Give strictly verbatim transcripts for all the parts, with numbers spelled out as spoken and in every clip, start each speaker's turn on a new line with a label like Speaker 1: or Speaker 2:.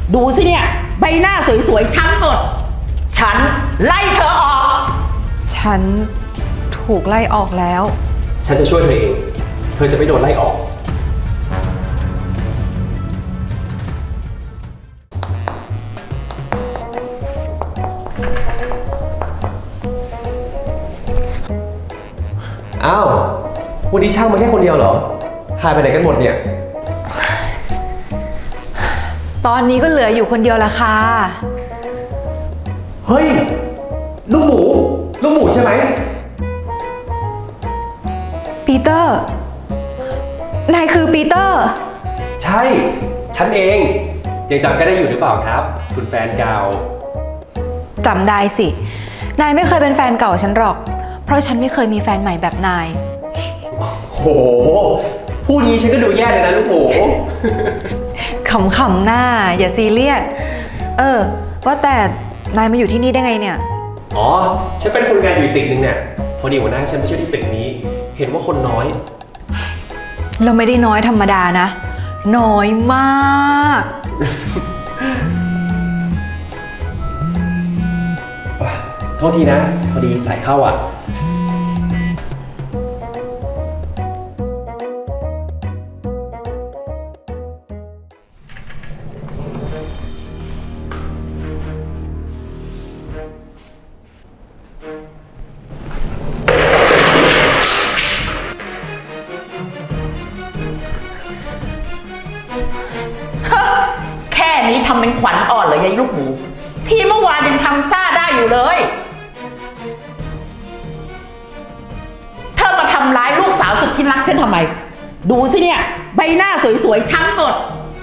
Speaker 1: ดูสิเนี่ยใบหน้าสวยๆช้ำหมดฉันไล่เธอออก
Speaker 2: ฉันถูกไล่ออกแล้ว
Speaker 3: ฉันจะช่วยเธอเองเธอจะไม่โดนไล่ออกอ้าววันนี้ช่างมาแค่คนเดียวเหรอหายไปไหนกันหมดเนี่ย
Speaker 2: ตอนนี้ก็เหลืออยู่คนเดียวละค่ะ
Speaker 3: เฮ้ยลูกหมูลูกหมูใช่ไหม
Speaker 2: ปีเตอร์นายคือปีเตอร์
Speaker 3: ใช่ฉันเองยังจำกันได้อยู่หรือเปล่าครับคุณแฟนเก่า
Speaker 2: จำได้สินายไม่เคยเป็นแฟนเก่าฉันหรอกเพราะฉันไม่เคยมีแฟนใหม่แบบนาย
Speaker 3: โหพูดงี้ฉันก็ดูแย่เลยนะลูกหมู
Speaker 2: ขำๆหน้าอย่าซีเรียสเออว่าแต่นายมาอยู่ที่นี่ได้ไงเนี่ย
Speaker 3: อ๋อฉันเป็นคนงานอยู่ตึกนึงเนี่ยพอดีหัวหน้าฉันไปช่วยที่ตึกนี้เห็นว่าคนน้อย
Speaker 2: เราไม่ได้น้อยธรรมดานะน้อยมาก
Speaker 3: โทษทีนะพอดีสายเข้าอ่ะ
Speaker 1: แค่นี้ทำเป็นขวัญอ่อนเหรอยายลูกหมูที่เมื่อวานยังทำซ่าได้อยู่เลยเธอมาทำร้ายลูกสาวสุดที่รักฉันทำไมดูสิเนี่ยใบหน้าสวยๆช้ำหมด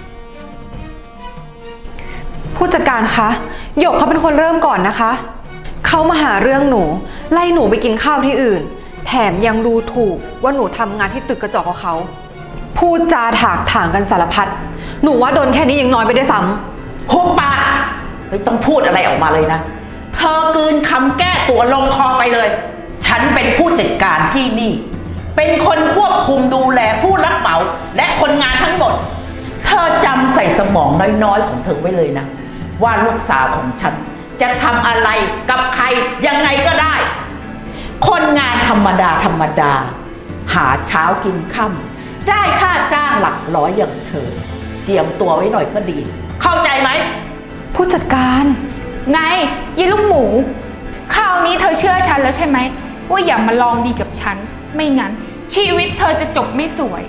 Speaker 2: ผู้จัดการคะหยกเขาเป็นคนเริ่มก่อนนะคะเขามาหาเรื่องหนูไล่หนูไปกินข้าวที่อื่นแถมยังดูถูกว่าหนูทำงานที่ตึกกระจกของเขาพูดจาถากถางกันสารพัดหนูว่าโดนแค่นี้ยังน้อยไปได้ซ้ำ
Speaker 1: หุบปากไม่ต้องพูดอะไรออกมาเลยนะเธอกลืนคำแก้ตัวลงคอไปเลยฉันเป็นผู้จัดการที่นี่เป็นคนควบคุมดูแลผู้รับเหมาและคนงานทั้งหมดเธอจำใส่สมองน้อยๆของเธอไว้เลยนะว่าลูกสาวของฉันจะทำอะไรกับใครยังไงก็ได้คนงานธรรมดาธรรมดาหาเช้ากินค่ำได้ค่าจ้างหลักร้อยอย่างเธอเจียมตัวไว้หน่อยก็ดีเข้าใจไหม
Speaker 2: ผู้จัดการ
Speaker 4: ไงยี่ลูกหมูคราวนี้เธอเชื่อฉันแล้วใช่ไหมว่าอย่ามาลองดีกับฉันไม่งั้นชีวิตเธอจะจบไม่สวย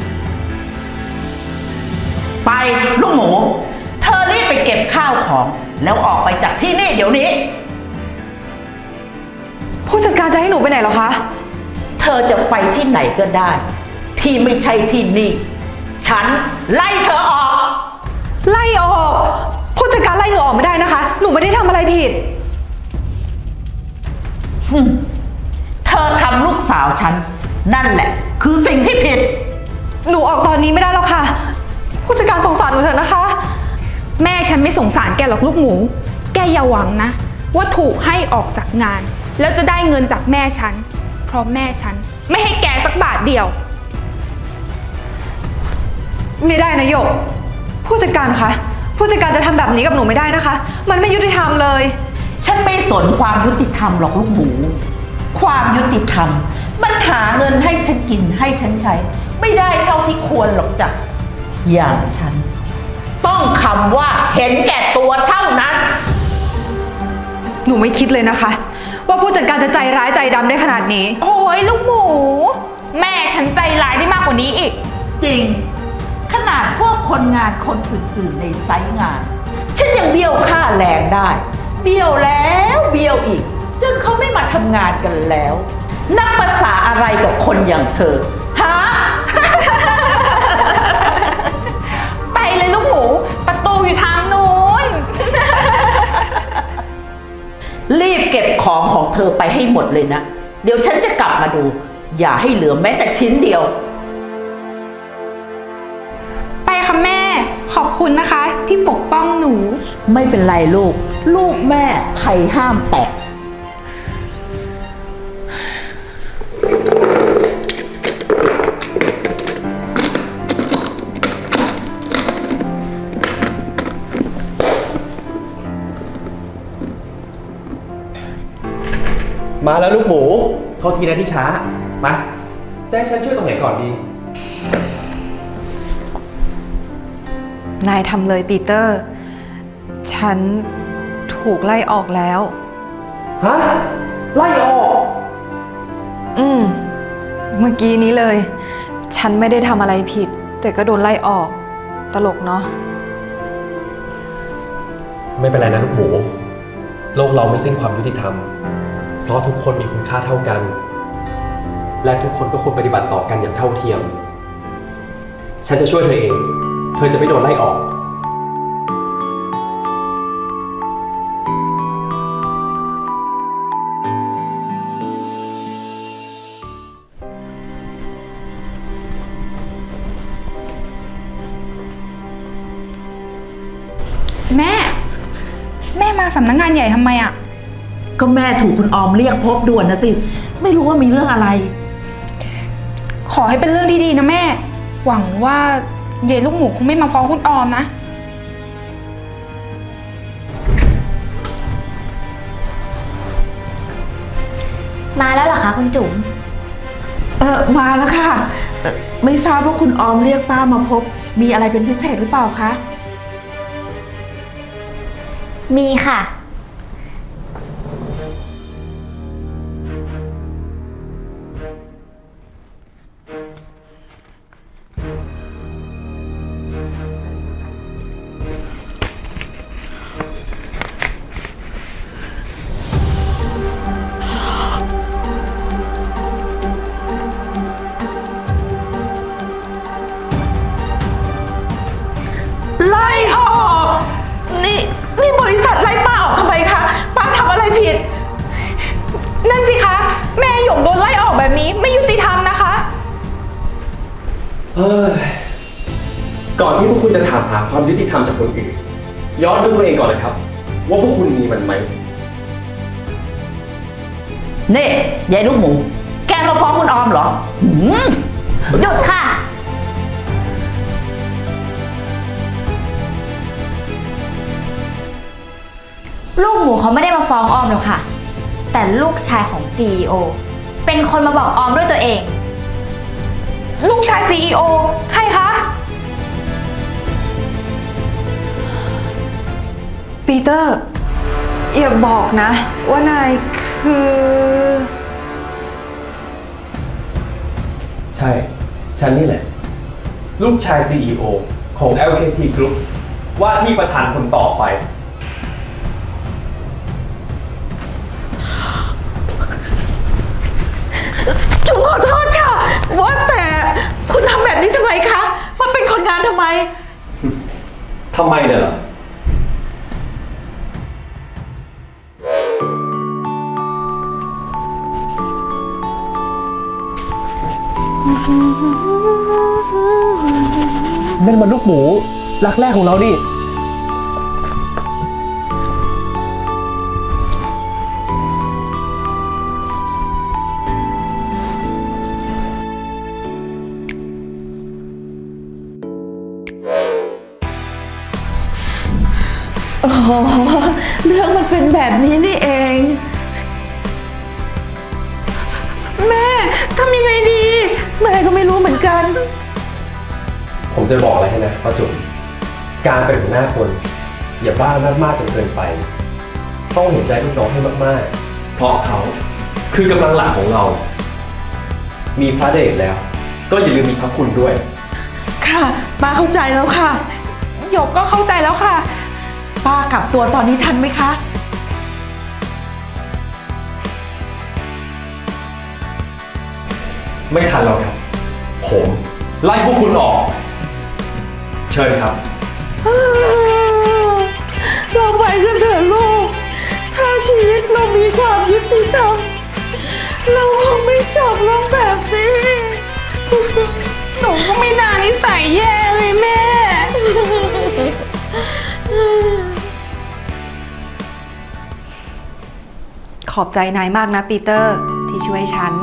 Speaker 1: ไปลูกหมูเธอรีบไปเก็บข้าวของแล้วออกไปจากที่นี่เดี๋ยวนี้
Speaker 2: ผู้จัดการจะให้หนูไปไหนหรอคะ
Speaker 1: เธอจะไปที่ไหนก็ได้ที่ไม่ใช่ที่นี่ฉันไล่เธอออก
Speaker 2: ไล่ออกผู้จัดการไล่หนูออกไม่ได้นะคะหนูไม่ได้ทำอะไรผิด
Speaker 1: เธอทำลูกสาวฉันนั่นแหละคือสิ่งที่ผิด
Speaker 2: หนูออกตอนนี้ไม่ได้แล้วค่ะผู้จัดการสงสารหนูเถอะนะคะ
Speaker 4: แม่ฉันไม่สงสารแกหรอกลูกหมูแกอย่าหวังนะว่าถูกให้ออกจากงานแล้วจะได้เงินจากแม่ฉันเพราะแม่ฉันไม่ให้แกสักบาทเดียว
Speaker 2: ไม่ได้นะหยกผู้จัดการคะผู้จัดการจะทำแบบนี้กับหนูไม่ได้นะคะมันไม่ยุติธรรมเลย
Speaker 1: ฉันไม่สนความยุติธรรมหรอกลูกหมูความยุติธรรมมันหาเงินให้ฉันกินให้ฉันใช้ไม่ได้เท่าที่ควรหรอกจ้ะอย่างฉันต้องคำว่าเห็นแก่ตัวเท่านั้น
Speaker 2: หนูไม่คิดเลยนะคะว่าผู้จัดการจะใจร้ายใจดำได้ขนาดนี้
Speaker 4: โอ้ยลูกหมูแม่ฉันใจร้ายได้มากกว่านี้อีก
Speaker 1: จริงขนาดพวกคนงานคนอื่นๆในไซต์งานฉันยังเบี้ยวค่าแรงได้เบี้ยวแล้วเบี้ยวอีกจนเขาไม่มาทำงานกันแล้วนับภาษาอะไรกับคนอย่างเธอฮะ
Speaker 4: ไปเลยลูกหมูประตูอยู่ทางนู้น
Speaker 1: รีบเก็บของของเธอไปให้หมดเลยนะเดี๋ยวฉันจะกลับมาดูอย่าให้เหลือแม้แต่ชิ้นเดียว
Speaker 4: ไปค่ะแม่ขอบคุณนะคะที่ปกป้องหนู
Speaker 1: ไม่เป็นไรลูกลูกแม่ใครห้ามแตะ
Speaker 2: พ
Speaker 3: มาแล้วลูกหมูโทษทีนะที่ช้า มาจะให้ฉันช่วยตรงไหนก่อนดี
Speaker 2: นายทำเลยปีเตอร์ ฉันถูกไล่ออกแล้ว
Speaker 3: ฮะ ไล่ออก
Speaker 2: อืม เมื่อกี้นี้เลย ฉันไม่ได้ทำอะไรผิด แต่ก็โดนไล่ออก ตลกเนาะ
Speaker 3: ไม่เป็นไรนะลูกหมู โลกเราไม่สิ้นความยุติธรรม เพราะทุกคนมีคุณค่าเท่ากัน และทุกคนก็ควรปฏิบัติต่อกันอย่างเท่าเทียม ฉันจะช่วยเธอเอง เธอจะไม่โดนไล่ออก
Speaker 4: แม่ แม่มาสำนักงานใหญ่ทำไมอะ
Speaker 1: ก็แม่ถูกคุณออมเรียกพบด่วนนะสิ ไม่รู้ว่ามีเรื่องอะไร
Speaker 4: ขอให้เป็นเรื่องที่ดีนะแม่ หวังว่าเยลูกหมูคงไม่มาฟ้องคุณออมนะ
Speaker 5: มาแล้วเหรอคะคุณจุ๋ม
Speaker 1: เออมาแล้วค่ะเอ่อไม่ทราบว่าคุณออมเรียกป้ามาพบ มีอะไรเป็นพิเศษหรือเปล่าคะ
Speaker 5: มีค่ะ
Speaker 1: ไล่ออก นี่นี่บริษัทไล่ป้าออกทำไมคะ ป้าทำอะไรผิด
Speaker 4: นั่นสิคะ แม่หยกโดนไล่ออกแบบนี้ไม่ยุติธรรมนะคะ
Speaker 3: เฮ้ย ก่อนที่พวกคุณจะถามหาความยุติธรรมจากคนอื่น ย้อนดูตัวเองก่อนเลยครับ ว่าพวกคุณมีมันไหม
Speaker 1: เน่ยายลูกหมู แกมาฟ้องคุณออมเหรอหืม
Speaker 5: หยุดค่ะ ลูกหมูเขาไม่ได้มาฟ้องออมหรอกค่ะ แต่ลูกชายของ ซี อี โอ เป็นคนมาบอกออมด้วยตัวเอง
Speaker 4: ลูกชาย ซี อี โอ ใครคะ
Speaker 2: ปีเตอร์ อย่าบอกนะ ว่านายคือ
Speaker 3: ใช่ ฉันนี่แหละ ลูกชาย ซี อี โอ ของ แอล เค ที Group ว่าที่ประธานคนต่อไป
Speaker 1: จุ๋มขอโทษค่ะ ว่าแต่คุณทำแบบนี้ทำไมคะมาเป็นคนงานทำไม
Speaker 3: ทำไมเนี่ยเหรอ นั่นมันลูกหมูรักแรกของเราดิ
Speaker 1: อ๋อ เรื่องมันเป็นแบบนี้นี่เอง
Speaker 4: แม่ทำยังไงดี
Speaker 1: แม่ก็ไม่รู้เหมือนกัน
Speaker 3: ผมจะบอกอะไรให้นะป้าจุ๋มการเป็นหัวหน้าคน อย่าบ้ามากๆจนเกินไป ต้องเห็นใจลูกน้องให้มากๆ เพราะเขาคือกำลังหลักของเรา มีพระเดชแล้ว ก็อย่าลืมมีพระคุณด้วย
Speaker 1: ค่ะ ป้าเข้าใจแล้วค่ะ
Speaker 4: หยกก็เข้าใจแล้วค่ะ
Speaker 1: ป้ากลับตัวตอนนี้ทันไหมคะ
Speaker 3: ไม่ทันแล้วครับ ผมไล่พวกคุณออก เชิญครับ
Speaker 1: เราไปกันเถอะลูก ถ้าชีวิตเรามีความยุติธรรม เราคงไม่จบลงแบบนี้
Speaker 4: หนูก็ไม่น่านิสัยแย่เลยแม่
Speaker 2: ขอบใจนายมากนะปีเตอร์ที่ช่วยฉัน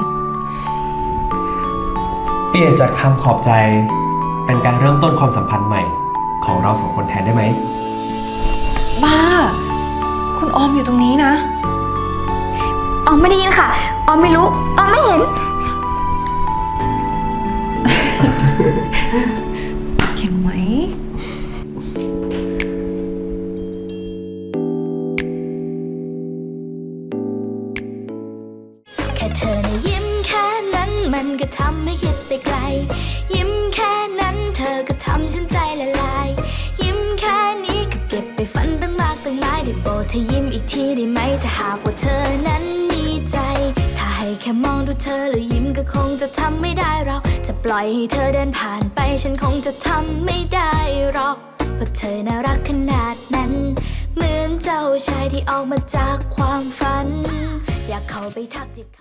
Speaker 3: เปลี่ยนจากคำขอบใจ เป็นการเริ่มต้นความสัมพันธ์ใหม่ ของเราสองคนแทนได้ไหม
Speaker 2: บ้า คุณออมอยู่ตรงนี้นะ
Speaker 5: ออมไม่ได้ยินค่ะ ออมไม่รู้ ออมไม่เห็น
Speaker 2: เห็นไหม
Speaker 6: แค่เธอนะยิ้มแค่นั้นมันก็ทำให้คิดไปไกล ยิ้มแค่นั้นเธอก็ทำฉันใจละลาย ยิ้มแค่นี้ก็เก็บไปฝันตั้งมากตั้งหลายได้โปรดเธอยิ้มอีกทีได้ไหมถ้าหากว่าเธอนั้นมีใจ ถ้าให้แค่มองดูเธอแล้วยิ้มก็คงจะทำไม่ได้เราจะปล่อยให้เธอเดินผ่านไปฉันคงจะทำไม่ได้หรอกเพราะเธอน่ารักขนาดนั้น เหมือนเจ้าชายที่ออกมาจากความฝัน อยากเข้าไปทักทิ